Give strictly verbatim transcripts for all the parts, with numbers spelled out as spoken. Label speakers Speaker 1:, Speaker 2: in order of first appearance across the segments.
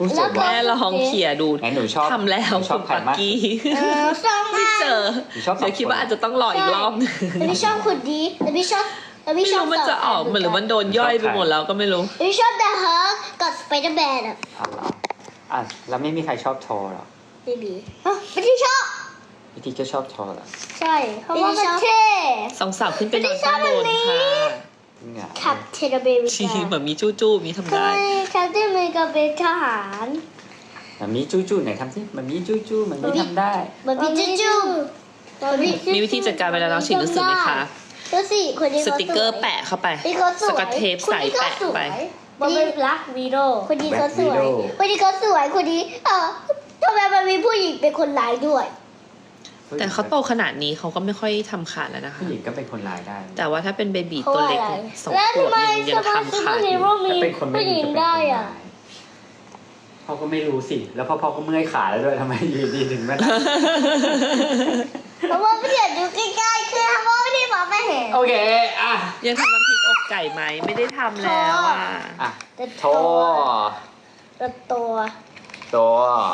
Speaker 1: แม่ลองเขี่ยดู
Speaker 2: ไหนหนูชอบ
Speaker 1: ทำแล้ว
Speaker 2: หนูชอบ
Speaker 1: คุณ
Speaker 2: ใคร
Speaker 1: ปัก
Speaker 2: มาก
Speaker 1: กี้
Speaker 3: เออชอบ
Speaker 1: ไม่
Speaker 3: มาก
Speaker 1: เจอ
Speaker 2: หนูชอบสอง
Speaker 1: เดี๋ยวคิดว่าอาจจะต้องรออีกรอบนึง
Speaker 3: แต่พี่ชอบคนดีแต่พี่ชอบแต่พี่
Speaker 1: ไม่
Speaker 3: ชอบ
Speaker 1: รู้มันจะออกเหมือนหรือมันโดนย่อยไปหมดแล้วก็ไม่รู้
Speaker 3: พี่ชอบแต่เฮิร์กกับสไปเดอร์แมนอ่ะ
Speaker 2: เอาเหรออ่ะแล้วไม่มีใครชอบโทรหรอ
Speaker 3: ไม่มีไม่ได้ชอบ
Speaker 2: พี่ทีก็ชอบโทรเหรอ
Speaker 3: ใช่เพราะว่ามันเท่
Speaker 1: สองสาวขึ้นไปนอนข้างบนค่ะ
Speaker 2: จริงเหรอ
Speaker 3: ขับเทเลเบริ
Speaker 1: ชี
Speaker 3: กา
Speaker 1: เหมือนมีจู้จู้มีทำ
Speaker 3: ใช่
Speaker 1: ได้
Speaker 3: แคปเทนอเมริกาเป็นทหาร
Speaker 2: มันมีจู้จู้ไหนทำสิมันมีจู้จู้มันมีทำได้
Speaker 3: มันมีจู้จู้
Speaker 1: มีวิธีจัดการเวลาเราฉีดหนังสือไหมคะ
Speaker 3: ดูสิคนนี้
Speaker 1: สติกเกอร์แปะเข้าไป
Speaker 3: นี่เขาส
Speaker 1: ส
Speaker 3: วย
Speaker 1: กอตเทปใส่แปะไป
Speaker 3: มันเป็นบลักวีโดคนนี้เขาสวย คนนี้เขาสวย คนนี้เออทำไมมันมีผู้หญิงเป็นคนร้ายด้วย
Speaker 1: แต่เขาโตขนาดนี้เขาก็ไม่ค่อยทำขาดแล้วนะคะ
Speaker 2: ผู้หญิงก็เป็นคนร้ายได้
Speaker 1: แต่ว่าถ้าเป็นเบบี
Speaker 3: เพราะ
Speaker 1: ตัวเล็ก
Speaker 3: อะไร
Speaker 1: สอง
Speaker 3: แล้ว
Speaker 1: ขว
Speaker 3: ทำ
Speaker 1: บ
Speaker 3: ไม
Speaker 1: ยังยัง
Speaker 3: สมา
Speaker 1: ทำ
Speaker 3: ชิก
Speaker 1: ขาดอ
Speaker 3: ฮี
Speaker 1: ยู่
Speaker 3: โร่มี
Speaker 2: ถ้าเป็นคนไม่
Speaker 3: ผู้ห
Speaker 2: ดี
Speaker 3: ญิง
Speaker 2: จะเป็นคน
Speaker 3: ได้
Speaker 2: ร้าย
Speaker 3: อ่ะ
Speaker 2: พ่อก็ไม่รู้สิ แล้วพ่อพ่อก็เมื่อยขาแล้วด้วยทำไมอยู่ดีถึงมานั่ง
Speaker 3: เพราะว่าไม่อยากดูใกล้ๆคือเพราะว่าไม่ได้มองไม่เห็น
Speaker 2: โอเคอ่ะ
Speaker 1: ยังทำน้ำพริกอกไก่ไหมไม่ได้ทำแล้วอ่ะ
Speaker 2: อ่ะ
Speaker 3: แต่
Speaker 2: โทร
Speaker 3: แต่ตัว
Speaker 2: ตัว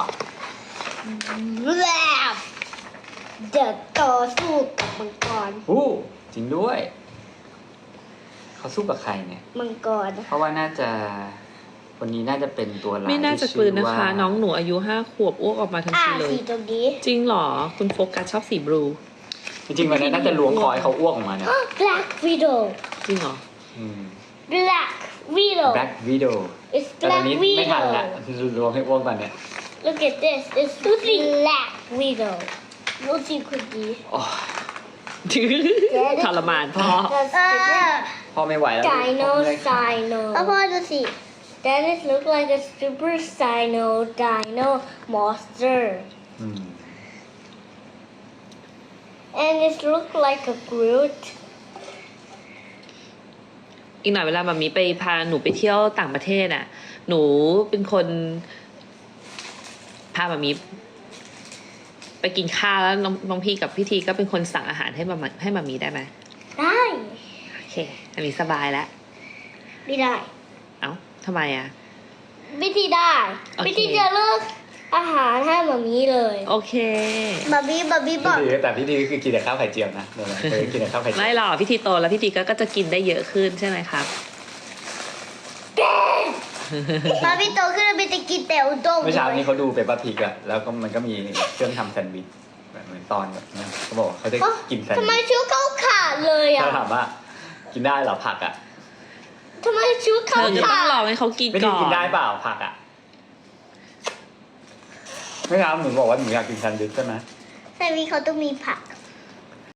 Speaker 3: แบบเดี๋ยวต่อสู้กับมังกร
Speaker 2: อู้จริงด้วย เขาสู้กับใครเนี่ย
Speaker 3: มังกร
Speaker 2: เพราะว่าน่าจะวันนี้น่าจะเป็นตัวร้าย
Speaker 1: ไม่น่าจะ
Speaker 2: ที่
Speaker 1: กลืน
Speaker 2: ชื่
Speaker 1: นะ
Speaker 2: ว่า
Speaker 1: คะ น้องหนูอายุห้าขวบอ้วกออกมาทัน
Speaker 3: อ่า
Speaker 1: ทีเลย
Speaker 3: สีตรงนี้
Speaker 1: จริงเหรอ คุณโฟกัสชอบสีบลู
Speaker 2: จริงๆวันนี้น่าจะล้วงคอให้เขาอ้วกออกมาเนี่ย
Speaker 3: Black Widow
Speaker 1: จริงเหรอ
Speaker 2: อืม
Speaker 3: Black Widow
Speaker 2: Black Widow
Speaker 3: It's
Speaker 2: แต่ตอน
Speaker 3: Black
Speaker 2: นี้ไม่ทัน
Speaker 3: Widow
Speaker 2: ละล้วงให้อ้วกตอนเนี้ย
Speaker 3: Look at this It's Black Widow ดูสิคุณดี
Speaker 2: โอ้ย
Speaker 1: ทรมานพ่อ
Speaker 2: พ่อไม่ไหวแล้ว
Speaker 3: Dino
Speaker 2: พ่อเมื่อยขา
Speaker 3: Sino แล้วพ่อดูสิ That is look like a super Sino Dino monster
Speaker 2: อืม
Speaker 3: and it look like a Groot
Speaker 1: อีกหน่อยเวลามามีไปพาหนูไปเที่ยวต่างประเทศน่ะ หนูเป็นคนพามามีไปกินข้าวแล้วน้องน้องพี่กับพี่ทีก็เป็นคนสั่งอาหารให้มาให้มามีได้ไหม
Speaker 3: ได้
Speaker 1: โอเคอันนี้สบายแล้ว
Speaker 3: ไม่ได้
Speaker 1: เอ้าทำไมอ่ะ
Speaker 3: วิธีได้
Speaker 1: โอเค
Speaker 3: วิธีจะเลือกอาหารให้มามีเลย
Speaker 1: โอเค
Speaker 3: มามีมามีบอก
Speaker 2: พี่ดีแต่พี่ดีคือกินแต่ข้าวไข่เจียวนะเดี๋ยวนะเคยกินแต่ข้าวไข่เจียว
Speaker 1: ไม่หรอกพี่ทีโตแล้วพี่ทีก็ก็จะกินได้เยอะขึ้นใช่ไหมครับ
Speaker 3: มามีโตขึ้นแล้วมีจะกินแต่อุด้ง
Speaker 2: เมื่อเช้านี้เขาดูเปปเปอร์พิกอะแล้วก็มันก็มีเครื่องทำแซนด์วิชแบบเหมือนตอนแบบนั้นเขาบอกว่าเขาจะกินแซนด์
Speaker 3: ทำไม
Speaker 2: วิช
Speaker 3: ชุดเขาขาดเลยอ่ะ
Speaker 2: เขาถามว่ากินได้เหรอผักอะ
Speaker 3: ทำไมชุด
Speaker 1: เธ
Speaker 3: เขา
Speaker 1: อจะต้อ
Speaker 3: ขาง
Speaker 1: ล
Speaker 3: ด
Speaker 1: องให้เขากิน
Speaker 2: ไม่ได้
Speaker 1: ก่อน
Speaker 2: กินได้เปล่าผักอะเมื่อเช้าหนูบอกว่าหนูอยากกินแซนด์วิชใช่ไหม
Speaker 3: แต่มีเขาต้องมีผัก